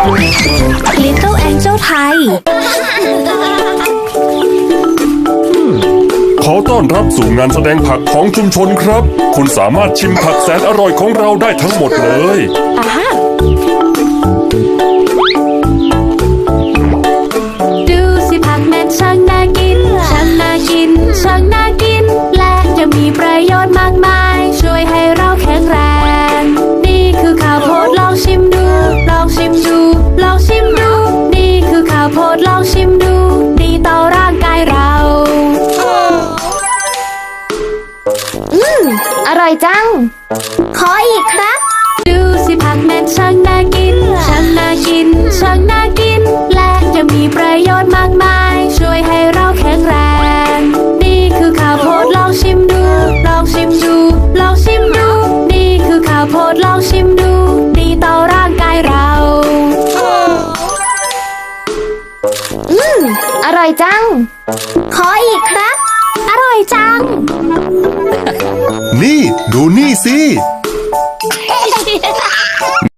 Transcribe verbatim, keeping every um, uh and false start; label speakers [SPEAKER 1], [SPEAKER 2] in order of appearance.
[SPEAKER 1] Little Angel ไทย
[SPEAKER 2] ขอต้อนรับสู่งานแสดงผักของชุมชนครับคุณสามารถชิมผักแสนอร่อยของเราได้ทั้งหมดเลย
[SPEAKER 1] ดูสิผักแม่นช่างน่ากินช่างน่ากินช่างน่ากินและยังมีประโยชน์มากมายช่วยให้เราแข็งแรงนี่คือข้าวโพดลองชิมดูลองชิมดูลองชิมดูนี่คือข้าวโพดลองชิมดูดีต่อร่างกายเรา
[SPEAKER 3] อืมอร่อยจังขออีกครับ
[SPEAKER 1] ดูสิผักแม่นช่างน่ากินช่างน่ากินช่างน่ากินและยังมีประโยชน์มากมายช่วยให้เราแข็งแรงนี่คือข้าวโพดลองชิมดูลองชิมดูลองชิมดูนี่คือข้าวโพดลองชิมดูดีต่อร่างกายเรา
[SPEAKER 3] อืมอร่อยจังขออีกครับ
[SPEAKER 1] อร่อยจัง
[SPEAKER 2] นี่ดูนี่สิ